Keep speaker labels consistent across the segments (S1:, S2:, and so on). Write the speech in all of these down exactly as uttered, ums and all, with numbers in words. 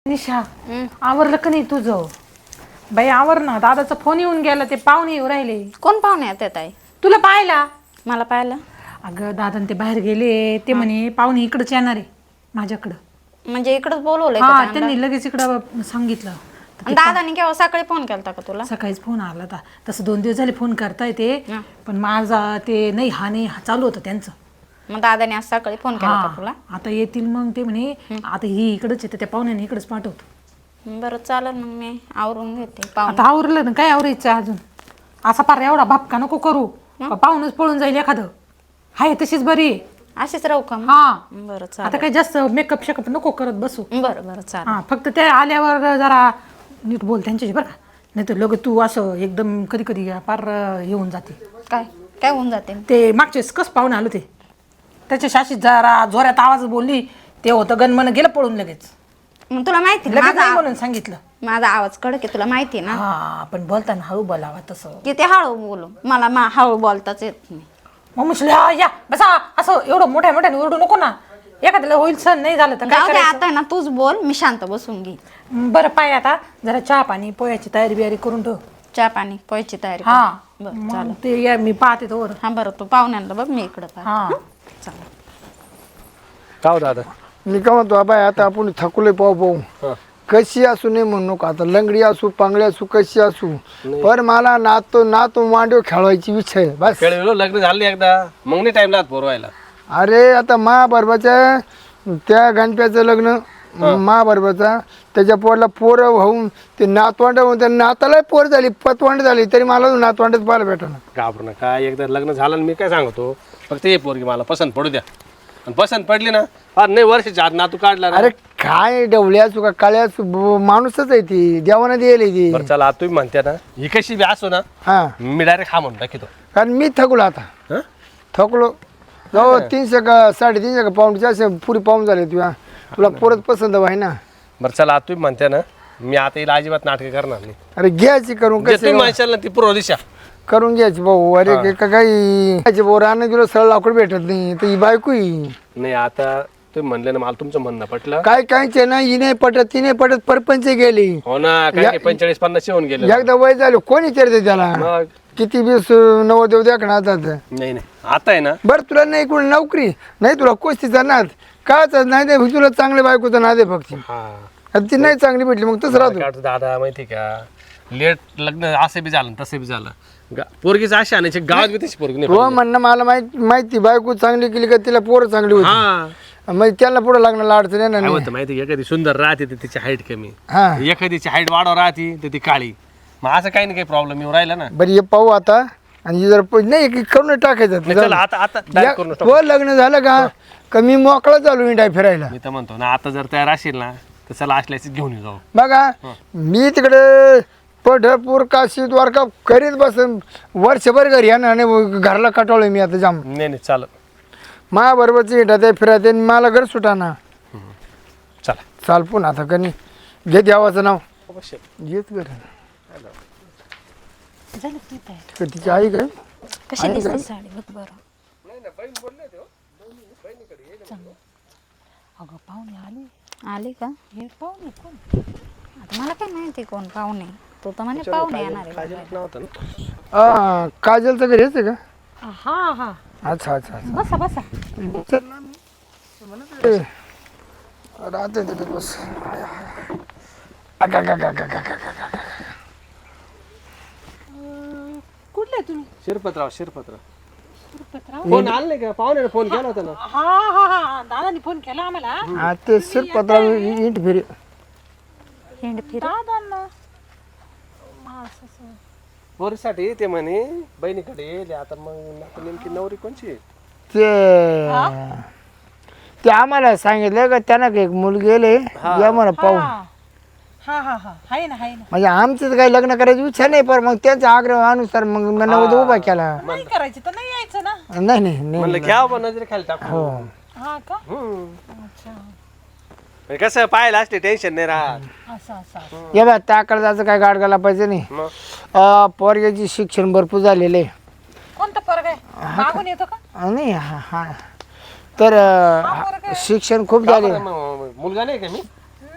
S1: निशा आवरलं का नाही तुझं? बाई आवर ना, दादाचा फोन येऊन गेला, ते पाहुणे येऊ राहिले.
S2: कोण पाहुणे येतात ताई?
S1: तुला पाहिला?
S2: मला पाहिलं?
S1: अगं दादा ते बाहेर गेले, ते म्हणे पाहुणे इकडंच येणार आहे माझ्याकडं.
S2: म्हणजे इकडंच बोलवलंय
S1: हा
S2: का?
S1: त्यांनी लगेच इकडं सांगितलं.
S2: आणि दादाने केव्हा सकाळी फोन केलता का तुला?
S1: सकाळीच फोन आला होता. तसं दोन दिवस झाले फोन करताय ते, पण माझा ते नाही हा नाही हा चालू होतं त्यांचं.
S2: मग दादाने आज सकाळी फोन केला
S1: हा
S2: का तुला?
S1: आता येतील मग ते म्हणे आता ही इकडंच येते, त्या पाहुण्याने इकडंच पाठवतो.
S2: बरं चालेल, मग मी आवरून घेते. पाहुणे
S1: आता आवरलं ना, काय आवरायचं अजून? असा पार एवढा भापका नको करू, पाहुणच पळून जाईल एखादं. हाय तशीच बरी आहे.
S2: अशीच राहू का?
S1: हा
S2: बरं
S1: आता
S2: चालेल.
S1: काही जास्त मेकअप शेकअप नको करत बसू.
S2: बरं बरं चालेल.
S1: हा फक्त ते आल्यावर जरा नीट बोल त्यांच्याशी बरं का, नाही तर लगेच तू असं एकदम कधी कधी पार येऊन जाते.
S2: काय काय होऊन जाते?
S1: ते मागचे कस पाहुणे आलो ते त्याच्या शाशीत जरा जोरात आवाज बोलली, ते होतं गणमन गेलं पळून लगेच.
S2: मग तुला माहिती ना
S1: लगेच
S2: माझा
S1: नाही
S2: आव-
S1: म्हणून सांगितलं.
S2: माझा आवाज कडक आहे, तुला माहिती ना?
S1: हा पण बोलताना हळू बोलावा तसं.
S2: किती हळू बोलू, मला मा- हळू बोलताच येत नाही.
S1: मग म्हटलं या बसा, असं एवढं मोठ्या मोठ्याने ओरडू नको ना, एखाद्याला होईल सण नाही झालं तर काय
S2: जाऊ दे,
S1: करायचं?
S2: आता ना तूच बोल, मी शांत बसून घे.
S1: बरं पाय आता जरा चहा पाणी पोह्याची तयारी बियारी करून ठेव.
S2: चहा पाणी पोहायची तयारी कर.
S1: हा
S2: बरं
S1: मग
S2: चालेल.
S1: ते या मी पाहते तोवर.
S2: हा बरं, तू पाहुण्यांना बघ, मी इकडं पाहते.
S1: हा
S2: चालेल.
S3: का हो दादा?
S4: मी का म्हणतो बाय, आता आपण थकलोय पाहू पाहू. कशी असू नये म्हणू नका, आता लंगडी असू पांगडी असू कशी असू, पण मला नातो नातो मांडव खेळवायची इच्छा आहे बस.
S3: खेळ लग्न झालं नाही एकदा, मग नाही टाइम लागत पोरवायला.
S4: अरे आता महाबरोबरच्या त्या गणप्याचं लग्न महाबरोबरचा, त्याच्या पोरला पोर होऊन ते नातवांड होऊन त्या नाताला पोर झाली, पतवांड झाली, तरी मला नातवांडच पाहायला भेटणार.
S3: घाबरू नका, एकदा लग्न झालं ना, मी काय सांगतो, फक्त ये पोरगी मला पसंत पडू द्या. आणि पसंत पडली ना, फार नाही वर्षाच्या आत नातू काढला ना.
S4: अरे काय डवली असू का काळी असू, ब- माणूसच आहे ती, देवानं दिली ती.
S3: बरं चला, आता तुम्ही म्हणते ना, ही कशी बी असो ना,
S4: हा
S3: मी डायरेक्ट हा म्हणून टाकीतो.
S4: कारण मी थकलो आता,
S3: हं?
S4: थकलो जाऊ. तीनशे का साडेतीनशे का पाऊंडचे असे पुरी पाऊन झाले तुला, तुला परत पसंत आहे ना.
S3: बरं चला, आता तुम्ही म्हणते ना, मी आता हिला अजिबात नाटकं करणार नाही.
S4: अरे घ्यायची करून
S3: जे
S4: कशी
S3: तुम्ही म्हणशाल ना ती पूर्व दिशा.
S4: करून घ्यायची भाऊ. अरे का- का- काही भाऊ राहणं गेलो सरळ लाकूड भेटत नाही, तर ही बायको ही
S3: नाही आता तुम्ही म्हणले ना, मला तुमचं म्हणणं पटलं.
S4: काय कायचे ना, ही नाही पटत ती नाही पटत, परपंच गेली.
S3: हो ना, काय पंचेचाळीस पन्नास येऊन गेले.
S4: एकदा वय झालं कोणी विचारते त्याला,
S3: मग
S4: किती बीस नवदेव द्या का आता.
S3: नाही नाही, आता आहे ना,
S4: बरं तुला नाही कोणी नोकरी नाही, तुला कुस्तीचा नाद काच नाही दे, तुला चांगल्या बायकोचा नाद आहे फक्त.
S3: हा
S4: आता ती नाही चांगली भेटली मग तसं
S3: काय
S4: राहतो.
S3: वाटतं दादा माहिती का, लेट लग्न असं बी झालं तसं बी झालं, गा- पोरगीच अशी आणायची गावात बी तशी पोरगी नाही
S4: हो
S3: पाहिजे.
S4: म्हणणं मला माहिती माहिती बायको चांगली केली का तिला पोरं चांगली होती,
S3: हा
S4: मग त्याला पुढे लागणार अडचण येणार
S3: काय
S4: नाही.
S3: होतं माहिती, एखादी सुंदर राहते तर तिची हाईट कमी,
S4: हा
S3: एखादीची हाईट वाढव राहते तर ती काळी, मग असं काही नाही काही प्रॉब्लेम येऊ राहिला ना.
S4: बरं हे पाहू आता, आणि हे जर प- नाही की करून टाकायचं
S3: नाही, चला आता आता direct करून टाकू.
S4: हो लग्न झालं का का मी मोकळा चालू इंडाय फिरायला.
S3: मी तर म्हणतो ना, आता जर तयार असेल ना तर चला असल्याच घेऊन येऊ जाऊ.
S4: बघा मी तिकडे पंढरपूर काशी द्वारका करीत बसन वर्षभर घरी येणार आणि घरला कटावलं मी आता जाम.
S3: नाही नाही चालत,
S4: माझ्याबरोबरची इंडाते फिरायते आणि मला घर सुटाना.
S3: चला
S4: चाल पुन्हा आता कनी घे देवाचं नाव घेत घर
S1: झालं की तयार?
S4: का तिची आई काय
S2: कशी दिसते साडी बघ बरं.
S1: अगं पाहुणे आली.
S2: आली का?
S1: हे पाहुणे कोण?
S2: आता मला काय माहिती कोण पाहुणे, तू तर म्हणे पाहुणे येणार आहे.
S3: नव्हतं ना.
S4: हा काजलचं घर हेच आहे का?
S1: हा हा
S4: अच्छा अच्छा अच्छा.
S1: बसा बसा.
S4: चल ना. ए, राहते तिथे बस. अगा, गा, गा, गा, गा, गा, गा.
S1: कुठले तुम्ही?
S3: शिरपतराव शिरपतराव
S1: शिरपतराव?
S3: फोन आला नाही का, पाहुण्याने फोन केला होता ना.
S1: हा हा हा दादानी फोन केला आम्हाला.
S4: हा ते शिरपतराव इंट फिरे.
S2: हिंड फिर.
S1: दादांना
S3: पोरीसाठी ते म्हणे बहिणीकडे येईल आता, मग आता नेमकी नवरी कोणची आहे?
S4: ते ते आम्हाला सांगितलं का त्यांना एक मुलगी गेले या म्हणा पाहून.
S1: हा हा हा हाय ना हाय ना.
S4: म्हणजे आमचं तर काही लग्न करायची इच्छा नाही, पण मग त्यांच्या आग्रहानुसार मग मी नवद उभा केला.
S1: नाही करायची तर नाही यायचं ना.
S4: नाही नाही नाही.
S3: म्हणलं घ्या बा नजरे खाली टाकू.
S4: हो
S1: हा का?
S3: हम्म.
S1: अच्छा
S3: म्हणजे कसं पाहायला असते टेन्शन नाही राहत.
S1: असं असं.
S4: ये बा त्याकडे जायचं काय गाड घाला पाहिजे नाही.
S3: मग
S4: अं, पोरग्याची शिक्षण भरपूर झालेले
S1: कोणतं पोरग आहे? मागून येतो का?
S4: नाही हा हा तर अं, शिक्षण खूप झाले.
S3: मग मुलगा नाही का मी?
S1: नाही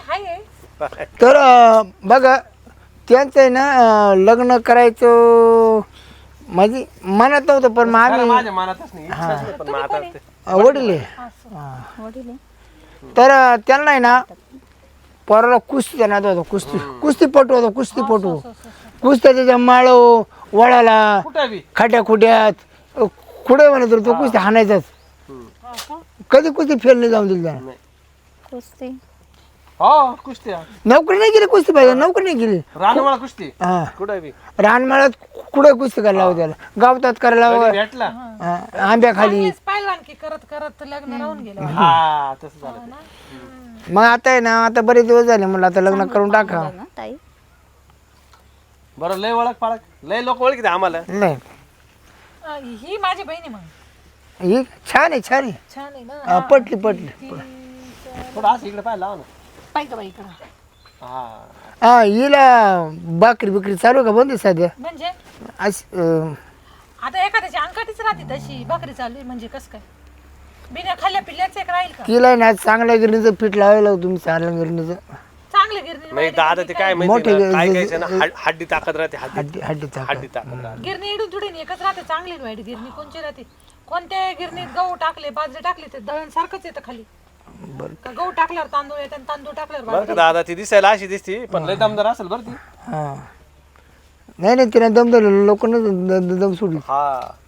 S1: हाय
S4: तर अं, बघा त्यांचं आहे ना अं, लग्न करायचं म्हणजे मनात नव्हतं पण मग
S3: खरं
S4: आम्ही
S3: माझ्या मनातच नाही इच्छाच नाही, पण मग आता ते-
S4: अं, वडील आहे.
S2: वडील आहे.
S4: तर अं, त्यांना आहे ना पोराला कुस्ती देण्यात होतं कुस्ती कुस्तीपटू होतो कुस्तीपटू कुस्त्या त्याच्या माळो वळाला
S3: कुठं बी
S4: खाट्या खुट्यात कुठे म्हणत होतो तो कुस्ती हाणायचाच कधी कुस्ती फेल नाही जाऊन दिली त्यानं.
S2: कुस्ती
S3: हो कुस्ती
S4: नोकरी नाही केली कुस्ती पाहिजे नोकरी नाही केली
S3: रानवाळा कुस्ती
S4: हा
S3: कुठं बी
S4: रानमाळ्यात कुठे कुस्ती करायला लावू त्याला गावतात करायला लावू.
S3: कधी भेटला
S4: हा, आंब्याखाली
S1: चांगलेच पाहिलवान की करत करत लग्न राहून गेलं
S3: हा तसं झालं ते.
S4: मग आता आहे ना आता बरेच दिवस झाले म्हणलं आता लग्न करून टाका
S2: ना ताई
S3: बरं लय ओळख पाळख लय लोक ओळखीते आम्हाला
S4: नाही
S1: अं, ही माझी बहिणी मग
S4: ही छान आहे छान आहे
S1: छान आहे ना
S4: हा, पटली पटली
S3: थोडं असं इकडे पाहिलं लावा ना
S1: पाहिजे बाई इकडं
S3: हा
S4: हा हिला बाकरी बिकरी चालू आहे का बंद आहे सध्या
S1: म्हणजे
S4: अशी, अं,
S1: आता एखाद्याची अंकाटीच राहते तशी भाकरी चालू आहे म्हणजे कसं काय बिना खाल्ल्या पिल्ल्याच एक राहील का
S4: तिला आहे ना चांगल्या गिरणीचं पीठ लावायला तुम्ही चांगल्या गिरणीचं
S1: चांगले गिरणी
S3: नाही दादा ते काय माहिती
S4: मोठे
S3: ना, काय
S4: ज-
S3: काय ना हड- हड्डी ताकद राहते हड्डी
S4: हड्डी हड्डी चाक
S3: हड्डी ताकद राहते
S1: गिरणी इडून थोडी एकच राहते चांगली वाईट गिरणी कोणची राहते कोणत्या गिरणीत गहू टाकले बाजरी टाकले ते दळण सारखंच येतं खाली का गहू टाकल्यावर तांदूळ येतात आणि तांदूळ टाकल्यावर
S3: बरं का दादा ती दिसायला अशी दिसती पण लय दमदार असेल बरं ती
S4: हा नाही नाही तिने दम दिलं लोकांना दम सोडली
S3: हा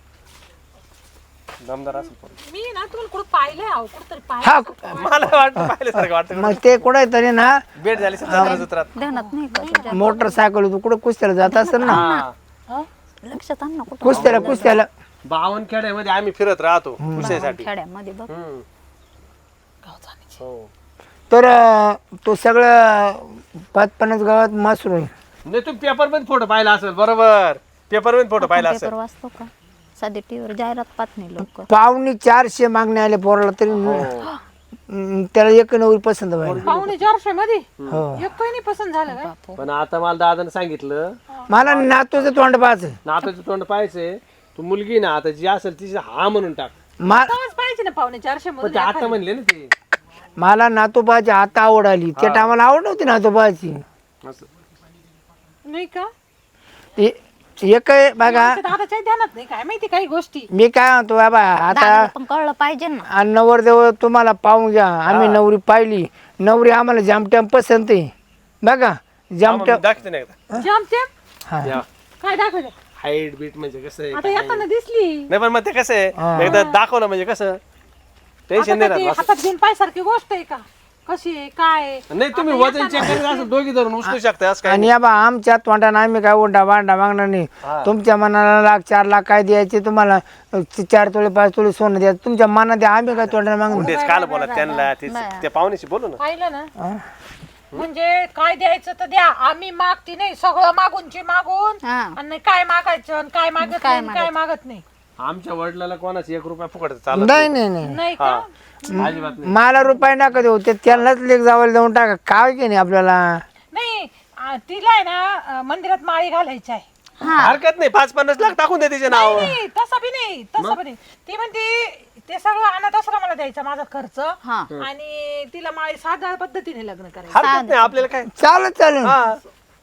S3: दमदार असेल पण.
S1: मी ना तुम्हाला कुठं पाहिलंय अहो कुठं तरी पाहिलं
S4: हा
S3: मला वाटतं पाहिल्यासारखं वाटतं
S4: मग ते कुठे तरी ना
S3: भेट झाली सतरा जत्रात
S2: ध्यानात नाही का तुझ्या
S4: मोटरसायकल तू कुठं कुस्त्याला जात असेल ना
S3: हा
S2: लक्षात आण ना कुठं
S4: कुस्त्याला कुस्त्याला
S3: बावन खेड्यामध्ये आम्ही फिरत राहतो कुस्त्यासाठी
S2: खेड्यामध्ये बघ
S3: हम्म.
S1: गाव जाण्याची.
S3: हो
S4: तर अं, तो सगळं पाच पन्नास गावात मासरू आहे
S3: नाही तुम्ही पेपर मध्ये फोटो पाहिला असेल बरोबर पेपर मध्ये फोटो पाहिला असेल
S2: पेपर वाचतो का साधी टीव्हीवर जाहिरात पाहत नाही लोक
S4: पावणे चारशे मागणे आले पोराला तरी अं, त्याला एक नवरी पसंत व्हायला
S1: पाहुणे चारशे मध्ये
S4: हो
S1: एक काही नाही पसंत झालं काय
S3: पण आता मला दादाने सांगितलं
S4: मला नातूचं तोंड पाहायचं
S3: नाताचं तोंड पाहायचंय तू मुलगी ना आता जी असेल तिची हा म्हणून टाक
S4: मा
S1: तेव्हाच पाहिजे ना पाहुणे चारशे
S3: पण
S1: मध्ये
S3: ते आता म्हणले ना ते
S4: मला नातोबाची आता आवड आली त्या टायमाला आवड नव्हती नातोबाची
S3: असं
S1: नाही का
S4: ए- एक आहे बघा
S1: आमच्या दादाच्या ध्यानात नाही काय माहिती काही गोष्टी
S4: मी काय म्हणतो बाबा आता
S2: दादाला पण कळलं पाहिजे ना
S4: आणि नवरदेव तुम्हाला पाहून घ्या आम्ही नवरी पाहिली नवरी आम्हाला जामट्याम पसंत आहे बघा जामट्याम
S3: दाखवते नाही एकदा
S1: जमते
S4: हा
S3: या.
S1: काय दाखवलं
S3: हाईट बीट म्हणजे कसं आहे
S1: आता येताना दिसली
S3: नाही पण मग ते कसं आहे एकदा दाखवलं म्हणजे कसं टेन्शन
S1: आता
S3: नाही
S1: काय ते
S3: राहत
S1: हातात घेऊन पायसारखी गोष्ट आहे का कशी आहे काय आहे?
S3: नाही तुम्ही वजन चेक करीत असेल दोघी धरून उचलू शकता असं काय
S4: आणि या बा आमच्या तोंडाने आम्ही काय उंडा बांडा मागणार नाही तुमच्या मनाला लाख चार लाख काय द्यायचे तुम्हाला च- चार तोळे पाच तोळे सोनं द्यायचं तुमच्या मनात द्या आम्ही काय तोंडाने मागणार
S3: तेच काल बोला त्यांना ते त्या पाहुण्याशी बोलू ना
S1: पाहिलं ना म्हणजे काय द्यायचं तर द्या आम्ही मागती नाही सगळं मागूनची मागून
S2: हा
S1: आणि काय मागायचं आणि काय मागत नाही आणि काय मागत नाही
S3: आमच्या वडिलाला कोणाच एक रुपया फुकट चालत
S4: नाही नाही नाही
S1: नाही का
S3: अजिबात नाही
S4: मला रुपये नका देऊ ते त्यांनाच लेख जावायला देऊन टाका काय की नाही आपल्याला
S1: नाही आ, तिला आहे ना अ, मंदिरात माळी घालायची आहे
S3: हरकत नाही पाच पन्नास लाख टाकून दे तिचे नाव
S1: नाही तसं बी नाही तसं बी नाही ती म्हणते ते सगळं अनाथ आश्रमाला द्यायचा माझा खर्च
S2: हा
S1: आणि तिला माळी साध्या पद्धतीने लग्न करायचं
S3: हरकत नाही आपल्याला काय
S4: चालत चालेल
S3: हा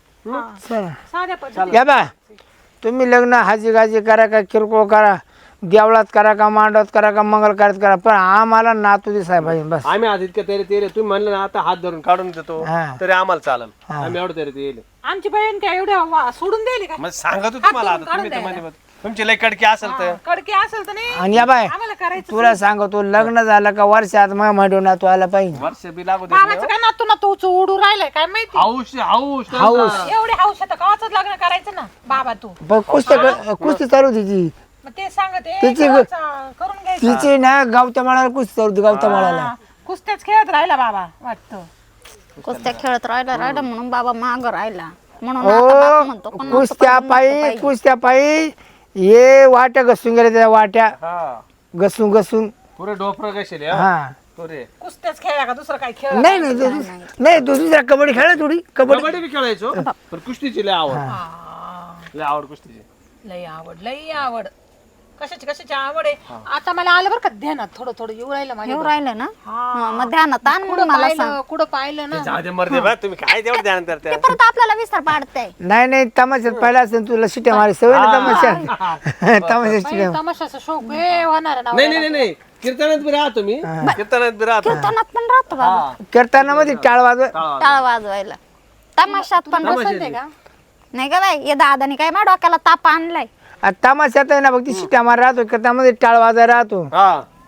S4: चला
S1: साध्या पद्धतीने
S4: या बा तुम्ही लग्न हाजी गाजी करा का किरकोळ करा देवळात करा का मांडवात करा का मंगल कार्यात करा पण आम्हाला नातू दिसाय पाहिजे बस
S3: आम्ही आधी इतकं तेरे तेरे तुम्ही म्हणलं ना आता हात धरून काढून देतो
S4: हा.
S3: तरी आम्हाला चालेल आम्ही एवढं तरी ते येईल
S1: आमची बहीण काय एवढ्या वा- सोडून द्यायली का
S3: मग सांगतो तुम्हाला आता तुम्ही तर मध्ये तुमची लय कडकी असेल तर
S1: कडकी असेल तर नाही
S4: आणि या बाय
S1: आम्हाला करायचं
S4: तुला सांगतो लग्न झालं का वर्षात मग म्हणून नातू आला पाहिजे
S3: वर्ष बी लागू दे
S1: बाबाचं काय नातू ना तू उडू राहिलाय काय माहिती
S3: हाऊस हाऊस
S1: एवढे हौस आता कवाच लग्न करायचं ना बाबा तू
S4: पण कुस्ती कुस्ती चालू तिची
S1: मग ते सांगते
S4: तिची-
S1: कवाचं करून घ्यायचं
S4: तिची ना गावच्या माळाला कुस्ती चालू होती गावच्या माळाला
S1: हा, कुस्त्याच खेळत राहिला बाबा वाटतं
S2: कुस्त्या खेळत राहिला राहिला म्हणून बाबा माग राहिला म्हणून आता बाप म्हणतो
S4: हो
S2: पण
S4: कुस्त्या पायी कुस्त्या पायी हे वाट्या घसून गेल्या त्या वाट्या
S3: हा
S4: घसून घसून
S3: पुरे डोपर कशेल
S4: हा
S3: पुरे
S1: कुस्त्याच खेळला का दुसरं काय खेळ
S4: नाही नाही दुस- नाही दुसऱ्या कबड्डी खेळा थोडी कबड्डी
S3: कबड्डी बी खेळायचो पण कुस्तीची लय आवड लय आवड कुस्तीची
S1: लई आवड लई आवड कशाची कशाची आवड आहे आता मला आलं बरं का ध्यानात थोडं थोडं येऊ राहिलं माझ्या
S2: येऊ राहिलं ना
S1: हा.
S2: हा, मग ध्यानात आण मग
S1: कुठं
S2: मला सांग
S1: पाहिलं कुठं पाहिलं ना
S3: जाऊ दे मरते बा तुम्ही काय तेवढं ध्यान करते
S2: ते परत आपल्याला विसर पाडतंय
S4: नाही नाही तमाशात पहिला असेल तुला शिट्या मारी सवय ना तमाशा तमाशा शिट्या
S1: तमाशाचा शौक हे होणार ना
S3: नाही नाही नाही, नाही कीर्तनात बी राहतो मी कीर्तनात बी राहतो
S2: कीर्तनात पण राहतो बाबा
S4: कीर्तनामध्ये मध्ये टाळ वाजव
S2: टाळ वाजवायला तमाशात पण
S1: पसंत आहे का
S2: नाही का बाई या दादाने काय मा डोक्याला ताप आणलाय
S4: आ, तमाशात आहे ना फक्त शिट्या मार राहतो कीर्तनामध्ये टाळ वाजा राहतो
S3: हा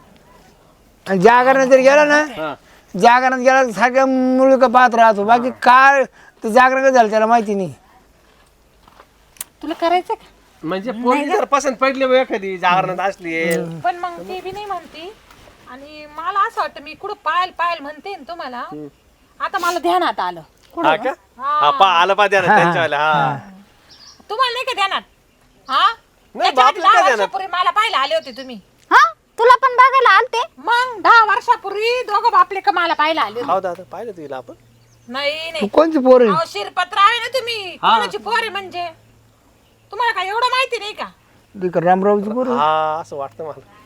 S4: आणि जागरण जर गेला ना
S3: हा
S4: जागरणात गेला तर सारखं मुलगा पाहत राहतो बाकी काय ते जागरण कसं झालं त्याला माहिती नाही
S1: तुला करायचं का
S3: म्हणजे पोरगी जर पसंत पडली बा एखादी जागरणात असली
S1: पण मग ती बी नाही म्हणती आणि मला असं वाटतं मी कुठं पायल पायल म्हणते ना तुम्हाला आता मला ध्यानात आलं
S3: हा का हा पा आलं पा द्या त्यांच्यावाल्या हा
S1: तुम्हाला नाही का ध्यानात हा
S3: नाही,
S1: त्याच्या आधी
S3: बापरे, काय
S1: दहा
S3: ध्यानात?
S1: वर्षापूर्वी मला पाहायला आले होते तुम्ही
S2: हा तुला पण बघायला आलते
S1: मग दहा वर्षापूर्वी दोघं बापले का मला पाहायला आले होते
S3: हो दादा पाहिलं तुला आपण
S1: नाही
S4: तू
S1: नाही
S4: कोणची पोर आहे
S1: अहो, शिरपत्र आहे ना तुम्ही कोणाची पोर आहे म्हणजे तुम्हाला काय एवढं माहिती नाही का
S4: ती का रामरावची पोर आहे?
S3: हा असं वाटतं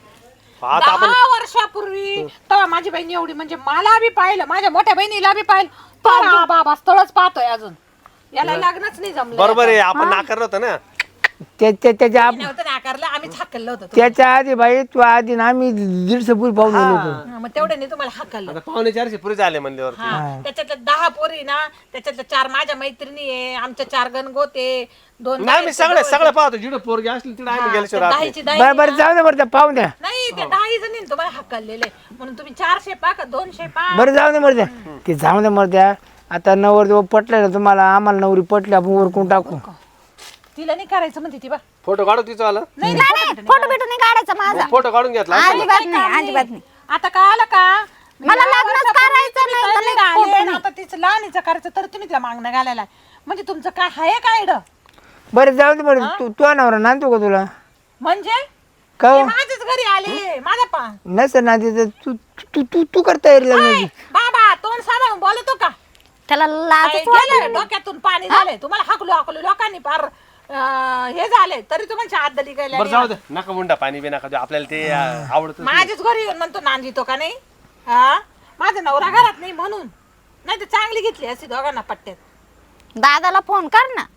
S3: मला आता आपण
S1: दहा वर्षापूर्वी तेव्हा माझी बहीण एवढी म्हणजे मला बी पाहिलं माझ्या मोठ्या बहिणीला बी पाहिलं तर हा बाबा स्थळच पाहतोय अजून याला लग्नच नाही जमलं
S3: बरोबर आहे आपण नाकारलं होतं ना
S4: त्या- त्या- त्याच्या आप-
S1: नव्हतं नाकारलं आम्हीच हाकललं होतं
S4: त्याच्या आधी बाई तू आधी ना आम्ही दीडशे पूर पाहून गेलो होतो
S1: हा, मग तेवढे नाही तुम्हाला हाकललं
S3: आता पावणे चारशे पुरे झाले म्हणल्यावर
S1: हा त्याच्यातल्या दहा पोरी ना त्याच्यातल्या चार माझ्या मैत्रिणी आहे आमच्या चार गणगोते दोन
S3: नाही मी सगळे सगळं पाहतो जिडं पोरगी असली तिकडे आम्ही गेल्याशिवाय राहत नाही.
S1: दहाची दहा
S4: बरं बरं जाऊ दे बरं त्या पाहून द्या
S1: नाही ते दहा जणी तुम्हाला हकललेले म्हणून तुम्ही चारशे पा का दोनशे पा
S4: बरं जाऊ दे मर द्या ते जाऊ दे मर द्या आता नवर जेव्हा पटलं ना तुम्हाला आम्हाला नवरी पटली आपण उरकून टाकू
S1: तिला नाही करायचं म्हणते ती बा
S3: फोटो काढू तिचा आला
S2: नाही नाही फोटो बिटो नाही काढायचा माझा
S3: फोटो काढून घेतला
S2: अजिबात नाही अजिबात नाही
S1: आता का आलं का
S2: मला
S1: दहा
S2: लग्नच
S1: वर्षापूर्वी
S2: करायचं
S1: तुम्ही
S2: नाही, तर
S1: तळीला
S2: नाही,
S1: आले आणि आता तिचं लहानीचं करायचं तर तुम्ही तिला मागणं घालायला म्हणजे तुमचं काय आहे काय ड
S4: बरं जाऊ दे बरं तू तू नवरा नांदतो का तुला
S1: म्हणजे
S4: का
S1: ते माझ्याच घरी आले माझा पा
S4: नसेल ना तिथं तू तू तू तू करता येईल लग्नाची
S1: बाबा तोंड सांभाळून बोलतो का
S2: त्याला
S1: काय
S2: लाजच
S1: गेलं डोक्यातून पाणी झालंय तुम्हाला हाकलो हाकलो लोकांनी फार अं, हे झाले तरी तुम्हाला आदली
S3: बरं
S1: गेल्या
S3: जाऊ दे नका मुंडा पाणी बी नका देऊ. आपल्याला ते अं, आवडतं
S1: माझ्याच घरी येऊन म्हणतो नांदितो का नाही हा माझा नवरा घरात नाही म्हणून नाही तर चांगली घेतली अशी दोघांना पट्ट्यात
S2: दादाला फोन कर ना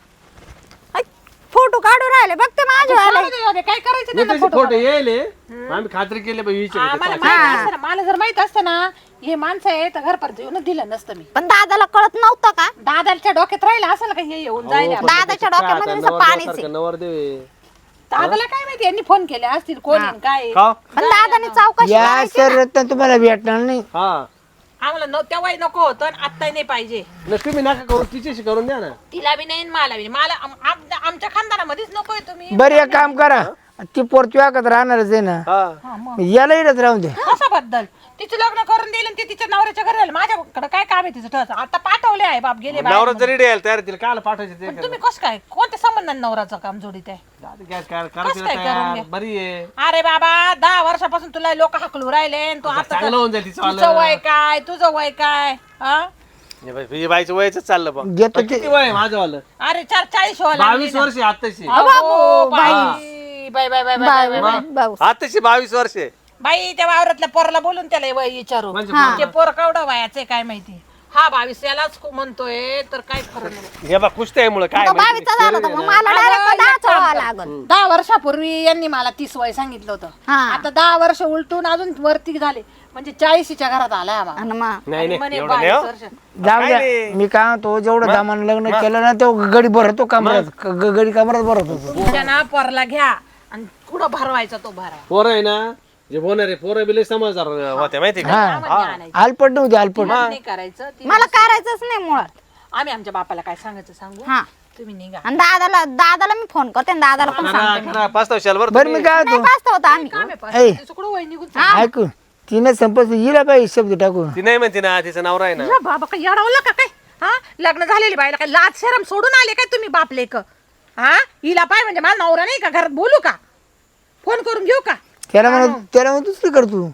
S2: फोटो काढून राहिले बघ ते माझे वाले
S1: जाऊ दे, जाऊ दे, काय करायचं त्यांना
S3: फोटो फोटो येईल आम्ही खात्री केली बाई विचार
S1: आम्हाला माहित असतं ना, मला जर माहित असतं ना हे माणसं आहे तर घरपर्यंत येऊन दिलं नसतं मी
S2: पण दादाला कळत नव्हतं का
S1: दादाच्या डोक्यात राहिलं असं का हे येऊन जायला
S2: दादाच्या डोक्यामध्ये नुसतं पाणीच आहे.
S3: नवर देवे
S1: दादाला काय माहिती यांनी फोन केले असतील कोण आहे, काय आहे.
S3: का
S2: पण दादाने चौकशी
S4: या
S2: करायची
S4: सर रत्न तुम्हाला भेटणार नाही
S3: हा
S1: आम्हाला न तेव्हाही नको होतं आणि आत्ताही नाही पाहिजे
S3: नाही तुम्ही नका करू तिच्याशी करून द्या ना
S1: तिला बी नाही आणि मला बी नाही. मला आम- आम- आमच्या खानदानामध्येच नकोय तुम्ही
S4: बरं एक काम करा ती पोर तुझ्या का राहणारच आहे ना
S3: हा
S1: हा, मग.
S4: याला इडत राहून दे
S1: कसं बद्दल तिचं लग्न करून दिलं आणि ते तिच्या नवऱ्याच्या घरी आलं माझ्याकडे काय काम आहे तिचं ठरचं आता पाठवले आहे बाप गेले बाहेर.
S3: नवरा जरी द्यायला तयार तिला काल पाठवायचे ते
S1: पण तुम्ही कसं काय कोणत्या संबंधाने नवऱ्याचं काम जोडीत आहे
S3: जाऊ दे, काय काय- करा
S1: कसं
S3: तिला
S1: काय करून
S3: तयार
S1: घ्या?
S3: बरी आहे
S1: अरे बाबा दहा वर्षापासून तुला लोक हाकलू राहिले आणि तू आता
S3: चांगलं होऊन जाईल तिचं
S1: तुझं वय काय तुझं वय काय हा?
S3: हे बाई- हे बाईचं वयच चाललं बा
S4: घेतो ते
S3: किती वय आहे माझं वालं
S1: अरे चार चाळीस व्हायला लागली
S3: बावीस
S1: ना.
S3: वर्ष आत्ताशी
S1: अहो, बाई बाई बाई बाई बाई बाई बाई.
S2: भाऊ
S3: आत्ताशी बावीस वर्ष आहे.
S1: बाई त्या वावरातल्या पोराला बोलून त्याला वय विचारू
S3: म्हणजे
S1: ते पोर केवढं वयाचं आहे काय माहिती हा बावीस यालाच खूप म्हणतोय तर काय खरं नाही
S3: हे बा कुस्त्या मुळे काय
S2: तो
S3: माहिती
S2: बावीसचा झाला होता मग मला डायरेक्ट दहा चोळावं लागल
S1: दहा वर्षापूर्वी यांनी मला तीस वय सांगितलं होतं
S2: हा
S1: आता दहा वर्ष उलटून अजून वरती झाले म्हणजे चाळीशीच्या घरात आलाय आम्हाला
S2: आणि मग
S3: नाही नाही
S1: म्हणे
S3: एवढं नाही हो.
S1: बावीस वर्ष.
S4: जाऊ
S3: काय
S4: द्या
S3: नाही.
S4: मी काय म्हणतो जेवढं दामान लग्न केलं ना तो गडी भरतो कमरात ग- ग- गडी कमरात भरत होतो
S1: तुमच्या ना पोरला घ्या आणि कुठं भरवायचा तो भरा
S3: पोरं आहे ना जे होणार आहे पोरं बिले समजदार होते माहिती का
S4: हा
S1: आणायचं
S4: आलपट नव्हती आलपट
S1: नाही करायचं ती-
S2: मला करायचंच नाही मुळात
S1: आम्ही आमच्या बापाला काय सांगायचं सांगू
S2: हा
S1: तुम्ही निघा
S2: आणि दादाला दादाला मी फोन करते आणि दादाला पण
S3: करा
S2: सांगते
S3: करा पाच शाल बरं
S4: बरं मी काय
S2: नाही
S4: होतो
S2: पाचता होता आम्ही
S1: काम आहे पण.
S4: ऐ.
S1: तिचं कुठं वय निघून चाललं.
S4: ऐकू तिने संपत हिला पाहिजे शब्द टाकून
S3: ती नाही म्हणते ना तिचा नवरा आहे ना
S1: या बाबा काय येडावलं का काय हा लग्न झालेली बाईला काय लाज शरम सोडून आले काय तुम्ही बाप लेक हा हिला पाय म्हणजे मला नवरा नाही का घरात बोलू का फोन करून घेऊ का
S4: त्याला म्हणा त्याला म्हणून दुसरी कर तू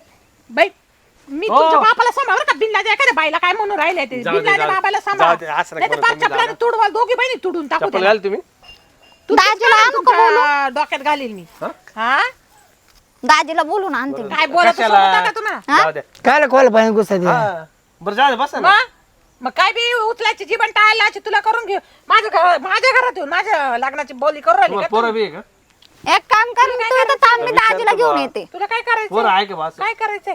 S1: बाई मी तुमच्या बापाला सांभाळ का बिनला एखाद्या बाईला काय म्हणून राहिले ते
S3: जाऊ दे,
S1: बिनला
S3: जाऊ दे.
S1: बाबाला
S3: जाऊ
S1: सांभाळ
S3: दे, असं नका
S1: नाही तर
S3: बोलू
S1: पाच
S3: तुम्ही,
S1: चपलाने तुडवाल दोघी बहिणी तुडून टाकू
S3: चप्पल
S1: त्याला.
S3: घाल तुम्ही
S1: तू
S2: दाजीला आणू का
S1: तुमच्या डोक्यात घालील मी हा
S2: दाजीला बोलून आणते मी.
S1: काय बोलत
S3: कशाला?
S1: होता का तुम्हाला
S3: जाऊ द्या
S4: काय खोल पाहिजे गुस्सा दे
S3: हा. बरं जाऊ दे बसा ना
S1: मग मग काय बी उचलायची जीवन टाळायला तुला करून घेऊ माझ्या घर माझ्या घरात येऊन माझ्या लग्नाची बोली करून राहिली
S3: तुम्हाला
S1: का तू?
S3: पोरं बी आहे का
S2: एक काम कर तू इथं थांब मी दाजीला घेऊन येते.
S1: तुला काय करायचं
S3: पोरं आहे का बा असं?
S1: काय करायचंय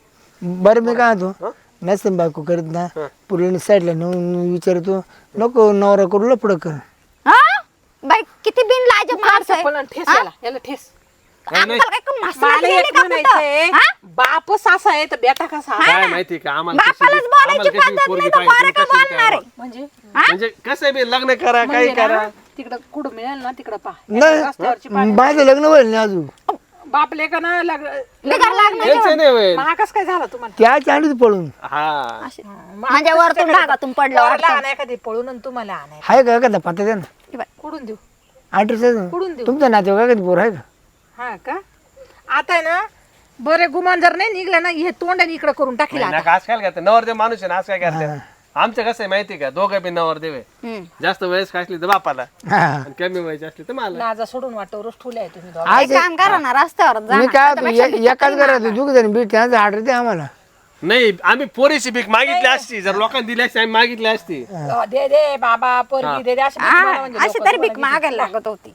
S4: बरं मी काय होतो नसेल बायको करीत ना पुढे साईडला नेऊन विचारतो नको नवरा करू लपड कर
S2: हा बाई किती बिन लाज माणसं
S1: पण ठेस याला याला ठेस
S2: अंकल काय कोण मसाला
S1: मला
S2: गेली
S1: एक
S2: का
S1: म्हणायचंय
S2: कुठं? हा?
S1: बाप सासा आहे तर बेटा कसा
S3: काय माहिती का आम्हाला कशी
S2: बापालाच
S3: बी-
S2: बोलायची
S3: आम्हाला कशी
S2: पद्धत
S3: पोरगी
S2: नाही तर
S3: पाहिजे,
S2: पोरं का
S3: कशी काय
S2: बोलणार आहे?
S1: म्हणजे
S3: म्हणजे कसं आहे बी, लग्न करा काही
S1: म्हणजे
S3: करा
S1: ना, तिकडं कुठं मिळेल ना तिकडं पा रस्त्यावरची
S4: नाही माझं लग्न होईल नाही अजून
S1: बापले का ना लग्न
S2: बिगर लागलं
S3: त्यांचं नाही होईल.
S1: महागच काय झालं तुम्हाला
S4: त्याच्या आणीत पळून
S3: हा
S2: माझ्या वरतून ढागातून पडलं
S1: पोराला
S2: वाटतं.
S1: आणाय कधी पळून आणि तुम्हाला आणाय
S4: आहे का एखादा पत्ता द्या ना
S1: कुठून देऊ
S4: आठशे
S1: कुठून देऊ
S4: तुमचं नाते का कधी पोर आहे का
S1: हा का आता आहे ना बरे गुमान जर नाही निघलं ना हे तोंडाने इकडे करून टाकेल
S3: नाही, नका आज काय करते नवरदेव माणूस आहे ना आज काय करते आमचं कसं आहे माहिती का दोघं बी नवरदेव आहे
S2: हम्म.
S3: जास्त वयस्क असली तर बापाला
S4: हा.
S3: आणि कमी वयाची असली तर मला
S1: लाजा सोडून वाटव रोज ठुले तुम्ही दोघं.
S2: एक काम करा ना रस्त्यावर जा
S4: मी
S2: ना.
S4: काय होतो ए- एकाच घरात दुख जण बीट त्यांचं ऑर्डर द्या आम्हाला
S3: नाही आम्ही पोरीची भीक मागितली असती जर लोकांनी दिली असती आम्ही मागितली असती
S1: अ, दे दे बाबा पोरगी दे दे अशी भीक मागा
S2: हा,
S1: म्हणजे
S2: अशी
S1: लोकं
S2: तरी भीक
S1: तुम्हाला
S2: मागायला लागत होती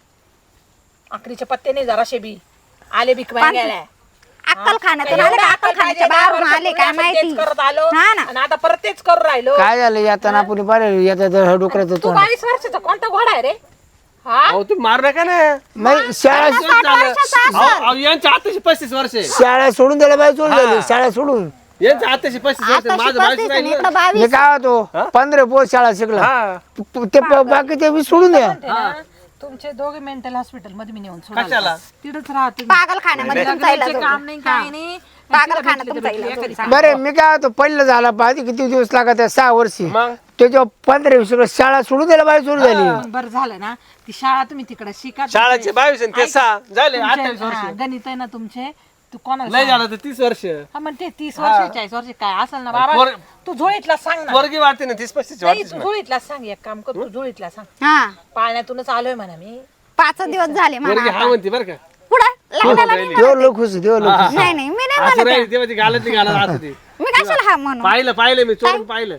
S1: आखरीचे पत्ते नाही जराशे बी आले भीक मागायला
S2: अक्कल खाण्यातून
S1: एवढं
S2: आले का
S1: अक्कल
S2: अक्कल
S1: पाहिजे,
S2: खाण्याच्या
S1: दहा
S2: बाहेरून
S1: वर्ष
S2: आले
S1: पूर्ण
S2: काय
S1: आपण
S2: माहिती
S1: तेच करत आलो
S2: हा ना
S1: आणि आता परत तेच करून राहिलो
S4: काय झालं येताना आपण पाहिलं येतात डोकराचं
S1: तू
S4: तोंड
S1: बावीस वर्षाचा कोणता घोडा आहे रे हा
S3: अहो तुम्ही मारू नका ना
S4: मग शाळा
S3: अहो, अहो, यांच्या आताशी पस्तीस वर्ष आहे.
S4: शाळा सोडून द्यायला पाहिजे सोडून द्यायला शाळा सोडून
S3: यांच्या आताशी पस्तीस वर्ष आहे. माझं बावीस राहिलं
S2: इकडं बावीस
S4: मी काय होतो पंधरा पोस्ट शाळा शिकला
S3: हा
S4: प- ते प- बाकीचे मी सोडून द्या
S1: म्हणते ना, तुमचे दोघे मेंटल हॉस्पिटल मध्ये मी नेऊन सोडायला.
S3: कशाला
S1: तिथंच राहतो
S2: पागल खाण्यामध्ये तुमचा इलाज
S1: लग्नाचे
S2: होतो.
S1: काम नाही काय नाही
S2: पागल खाण्यात तुमचा इलाज होतो.
S1: एखादी सांग.
S4: बरं मी काय होतो पहिलं झाला पाहिजे किती दिवस लागत आहे सहा वर्षी
S3: मग
S4: त्याच्यावर पंधरा वीस शाळा सोडून द्यायला पाहिजे सोडून झाली
S1: बरं झालं ना ती शाळा तुम्ही तिकडे शिका
S3: शाळाचे बावीस आणि ते सहा झाले अठ्ठावीस
S1: तुमचे- हा,
S3: वर्ष
S1: गणित आहे ना तुमचे तू कोणाला
S3: लय
S1: सांग?
S3: झालं तर तीस वर्ष
S1: हा मग ते तीस वर्ष चाळीस वर्ष काय असेल ना बाबा
S3: पोर-
S1: तू झोळीतला सांग ना
S3: पोरगी वाटते ना तीस पस्तीस
S1: नाही
S3: वाटतेच
S1: तू
S3: ना
S1: झोळीतला सांग एक काम कर तू झोळीतला सांग
S2: हा
S1: पाळण्यातूनच आलोय म्हणा मी
S2: पाच दिवस झाले
S3: पोरगी
S2: म्हणा
S3: हा म्हणते बरं का
S2: पुढे लग्नाला नाही
S4: देव लोक खुश देव लोक खुश.
S2: नाही नाही मी नाही
S3: असं
S2: म्हणत
S3: राहील तेव्हा ती घालत नाही घालत असं ती
S2: मी कशाला हा म्हणू
S3: पाहिलं पाहिलं मी चोरून पाहिलं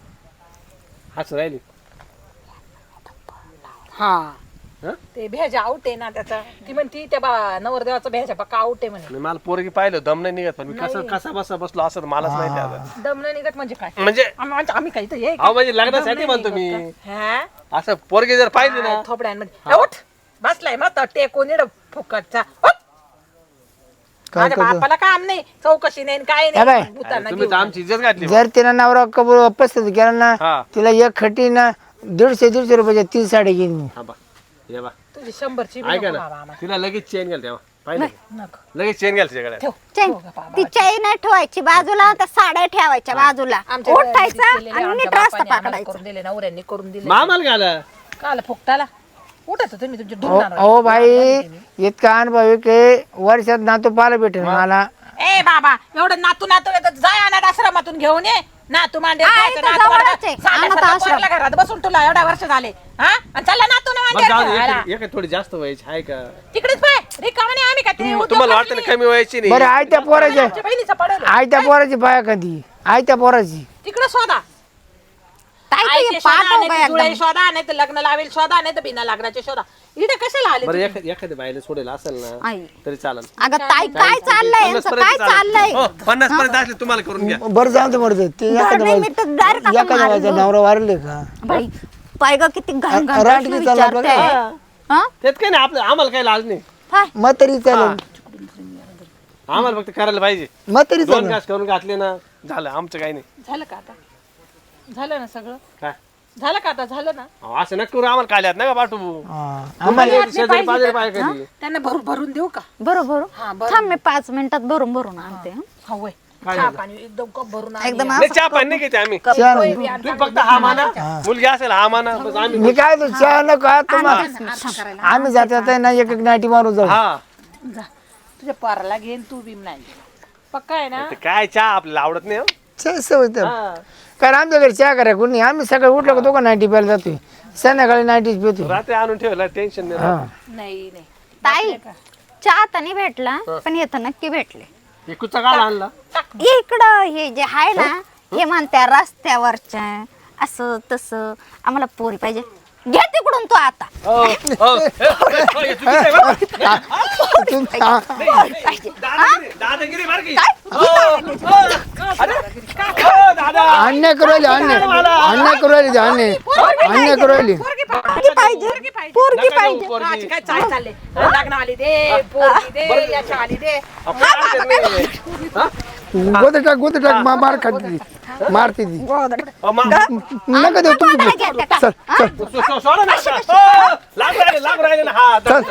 S3: असं राहिली
S1: हा
S3: हं?
S1: ते भेजा आउट आहे ना त्याचा ती म्हणती त्या बा नवरदेवाचा भेजा पक्का आउट आहे म्हणे
S3: आणि मला पोरगी पाहिलं दम नाही निघत पण मी कसं कसा बसा बसलो असं मलाच माहिती आता
S1: दम नाही निघत म्हणजे काय
S3: म्हणजे
S1: आम्ही म्हणजे आम्ही काही तर हे
S3: अहो म्हणजे लग्नासाठी म्हणतो मी
S1: हा
S3: असं पोरगी जर पाहिली ना
S1: थोपड्यांमध्ये उठ बसलाय मग तर टेकून इड फुकटचा उठ.
S4: काय
S1: माझ्या
S4: करतो?
S1: बापाला काम नाही चौकशी नाही काय
S4: या बाय.
S1: नाही भूतांना
S3: तुम्ही तर
S1: घेऊन.
S3: आमची इज्जत घातली
S4: जर तिला नवरा कबूल पसंत केला ना
S3: हा
S4: तिला एक खटी ना दीडशे दीडशे रुपयाच्या तीन साडी घेईन मी
S3: हा बा ये बा
S1: तुझी शंभरची बी
S3: ऐका
S1: नको
S3: ना
S1: बाबा आम्हाला.
S3: तिला लगेच चेन घाल तेव्हा पाहिलं
S1: नको
S3: लगेच चेन घाल तिच्याकडे
S1: ठेव
S2: चैन
S1: ठेव गं बाबा.
S2: ती चैन नाही ठेवायची बाजूला त्या साड्या ठेवायच्या बाजूला
S1: आमच्या घरात
S2: उठायचं
S1: केलेले
S2: आणि
S1: आमच्या
S2: नीट रस्ता
S1: बापाने आम्हाला
S2: पकडायचा
S1: करून दिले नवऱ्यांनी करून दिले
S3: मामाला घाला
S1: काल फुकटाला उठत तुम्ही तुमचे
S4: अहो
S1: ढुंगणार
S4: अहो भाई इतका अनुभव आहे की वर्षात नातू पाहायला भेटेल मला
S1: ए बाबा एवढं नातू नातू येतात जाय अनाथ आश्रमातून घेऊन ये नातू मांडे
S2: हा,
S1: खायचं,
S2: इथं
S1: नातू
S2: जवळच
S1: वाढवा.
S2: आहे,
S1: साध्या
S2: अनाथ
S1: साध्या
S2: आश्रम.
S1: पोराला घरात बसून तुला एवढ्या वर्ष झाले हा आणि चला नातू
S3: बरं जाऊ दे
S1: मांडे
S3: एक- एक थोडी जास्त वयाची आहे का
S1: तिकडेच पाय रिकामाने आम्ही का ते उद्योग
S3: तुम्हाला वाटतं
S1: करतो
S3: ना कमी वयाची नाही
S4: बरं आई त्या पोराच्या
S1: आमच्या बहिणीचा पडेल
S4: आई त्या पोराची बाया कधी आई त्या पोराची
S1: तिकडे शोधा
S2: ताई तू
S1: आईचे
S2: हे
S1: शोधा,
S2: पाठव
S1: नाही
S2: का
S1: तर जुळे
S2: एकदम
S1: शोधा नाही तर लग्न लावेल शोधा नाही तर बिना लग्नाचे शोधा इथे कशाला आले
S3: बरं
S1: तुम्ही?
S3: एखाद्या एखाद्या बाईला सोडेल असेल ना
S2: आई
S3: तरी चालेल
S2: अगं ताई काय चाललंय
S3: पन्नास
S2: यांचं काय
S3: पर्यंत
S2: चाललंय
S3: हो, पन्नास पर्यंत असले तुम्हाला करून घ्या
S4: बरं जाऊ दे मरते ते
S2: बरं
S4: एखाद्या
S2: नाही, मी तर direct
S4: बाई-
S2: आपण
S4: एखाद्या बाईचा
S2: मारलो.
S4: नवरा वारले का
S2: बाई पाय ग किती घाण घाण
S4: राट
S2: प्रश्न
S4: किती चालला
S2: विचारते
S4: बघा.
S2: हा?
S3: त्यात काही नाही आपलं आम्हाला काही लाज नाही
S2: हाय.
S4: मग तरी चालेल
S3: आम्हाला फक्त करायला पाहिजे
S4: मग तरी
S3: दोन
S4: चालेल
S3: घास करून घातले ना झालं आमचं काही नाही
S1: झालं का आता झालं ना सगळं
S3: काय
S1: झालं का आता झालं ना
S3: अहो, असं नका करू आम्हाला काल्यात ना का पाठवू
S4: हा.
S3: आम्हाला शेजारी पाजारी पाय कधी
S1: त्यांना भरून भरून देऊ का
S2: बरोबर
S1: हा, बरं.
S2: थांब मी पाच मिनिटात भरून भरून आणते हं.
S1: हा होय चहा पाणी एकदम कप भरून आणि
S2: एकदम
S3: नाही चहा पाणी नाही घेते आम्ही
S4: चहा
S1: पोहे
S4: नाही.
S1: बी आणि
S3: तुम्ही फक्त हा माना मुलगी असेल हा माना बस आम्ही
S4: मी काय तो चहा नको हा तुम्हाला
S1: आराम करायला
S4: आम्ही जाता जाता ना एक एक नाटी मारून जाऊ
S3: हा
S1: जा तुझ्या पोराला घेईन तू बी नाही पक्का आहे ना
S3: ते काय चहा आपल्याला आवडत नाही हो.
S4: चहा सवय तर कारण आमच्या घरी चहा करा कोणी आम्ही सकाळी उठलो का दोघं नाईटी प्यायला जातोय संध्याकाळी नाईटीच पितो
S3: रात्री आणून ठेवला टेन्शन नाही राहत.
S4: हा
S1: नाही नाही
S2: ताई चहा तर नाही भेटला पण हे तर नक्की भेटले
S3: हे कुठचा काळ आणला
S2: इकडं हे जे आहे ना हे म्हणत्या रस्त्यावरच्या असं तसं आम्हाला पोरी पाहिजे घे तिकडून तू आता
S3: हो, हो. हे चुकीचं आहे बरं.
S4: तुम- हा.
S2: पाहिजे
S3: दादागिरी दादागिरी मार की.
S2: काय?
S3: हो, हो. अरे, हो, दादा
S4: अन्याय करू राहिली अन्याय अन्याय करू राहिली ते अन्याय अन्याय करू राहिली
S1: पोरगी पा-
S2: पोरगी पाहिजे पोरगी
S3: नका
S2: पाहिजे
S3: देऊ पोरगी.
S1: आज काय चाल चालले लग्न आली दे पोरगी दे याच्या आली दे
S3: आपण आणते नाही. हा?
S4: गोद टाक गोद टाक मा मार खाती मारती ती
S3: अहो, मा-
S4: नका देऊ तुम्ही चल चल
S3: सो- सो- सोडा ना आता. हो, लागू राहिले लागू राहिले ना हा
S4: चल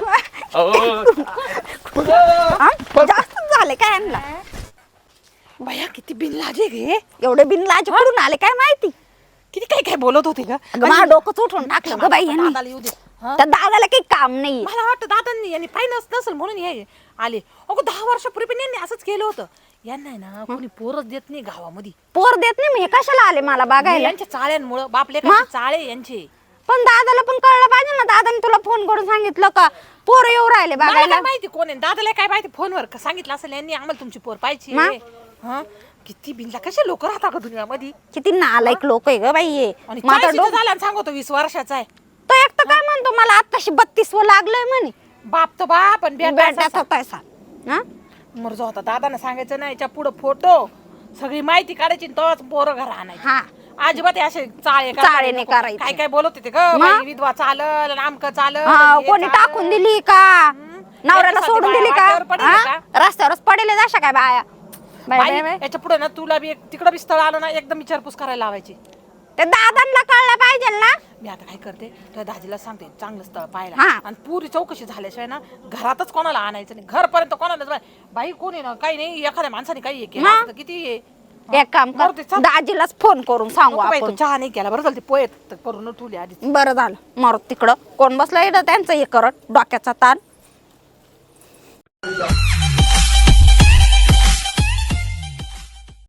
S2: जास्त झाले काय आणला
S1: भया किती बिनलाजे गे
S2: एवढे बिनलाज पडून आले काय माहिती
S1: किती काय काय बोलत होते ग
S2: अगं माझं डोकं उठून टाकलं ग बाई यांनी
S1: दादाला येऊ दे हा?
S2: त्या दादाला काही काम नाही
S1: मला वाटतं दादांनी यांनी पाहिलं नसेल म्हणून हे आले अगो दहा वर्षापूर्वी पण यांनी असंच केलं होतं यांना आहे ना कोणी पोरच देत नाही गावामध्ये
S2: पोर देत नाही मी हे कशाला आले मला बघायला
S1: यांच्या चाळ्यांमुळं बापले
S2: मग?
S1: चाळे यांचे
S2: पण दादाला पण कळलं पाहिजे ना दादाने तुला फोन करून सांगितलं का पोर येऊ राहिले
S1: मला
S2: बघायला
S1: काय माहिती कोण आहे दादाला काय माहिती फोनवर का सांगितलं असेल यांनी आम्हाला तुमची पोर पाहिजे
S2: मग?
S1: हा किती बिनला कसे लोक राहतात का दुनियामध्ये
S2: किती नालायक लोक आहे ग बाई हे
S1: आणि
S2: माझा
S1: चाळीशीचा
S2: डोकं
S1: झाला आणि सांगतो वीस वर्षाचा आहे
S2: तो एक तर काय म्हणतो मला आताशी बत्तीस व लागलंय म्हणे
S1: बाप तर बाप पण
S2: बेटाचा
S1: बेटा
S2: पैसा हा
S1: मर्ज होता दादाने सांगायचं नाही याच्या पुढे फोटो सगळी माहिती काढायची आणि तोच पोरं घर आणायची
S2: हा
S1: अजिबात हे असे चाळे
S2: चाळे
S1: करायला
S2: नाही
S1: नको.
S2: करायचे.
S1: काय काय बोलत होते ग
S2: मग?
S1: बाई, विधवा चालल आमक चालल
S2: हा,
S1: हे
S2: कोणी
S1: चालल.
S2: टाकून दिली का नवऱ्याला
S1: याच्यासाठी
S2: सोडून
S1: बाया
S2: दिली
S1: वाटेवर
S2: का
S1: पडेल
S2: हा? रस्त्यावरच पडेल अशा काय बाया बाय,
S1: बाई,
S2: बाय, बाय.
S1: याच्या पुढे ना तुला बी एक- तिकडं बी स्थळ आलं ना एकदम विचारपूस करायला लावायची
S2: ते दादांना कळलं पाहिजे ना
S1: मी आता काय करते त्या दाजीला सांगते चांगलं स्थळ पाहायला
S2: हा.
S1: आणि पुरी चौकशी झाल्याशिवाय ना घरातच कोणाला आणायचं नाही घरपर्यंत कोणाला बाई बाई कोणी ना काही नाही एखाद्या माणसाने काही हे केलं
S2: मग?
S1: असतं तर किती हे.
S2: एक काम
S1: बरं
S2: कर
S1: ते चल.
S2: दाजीलाच फोन करून सांगू
S1: नको बाई,
S2: आपण
S1: तू चहा नाही केला बरं चालते पोहेत तर करून ठेवली आधी
S2: बरं झालं मारू तिकडं कोण बसलं इथं त्यांचं हे करत डोक्याचा ताण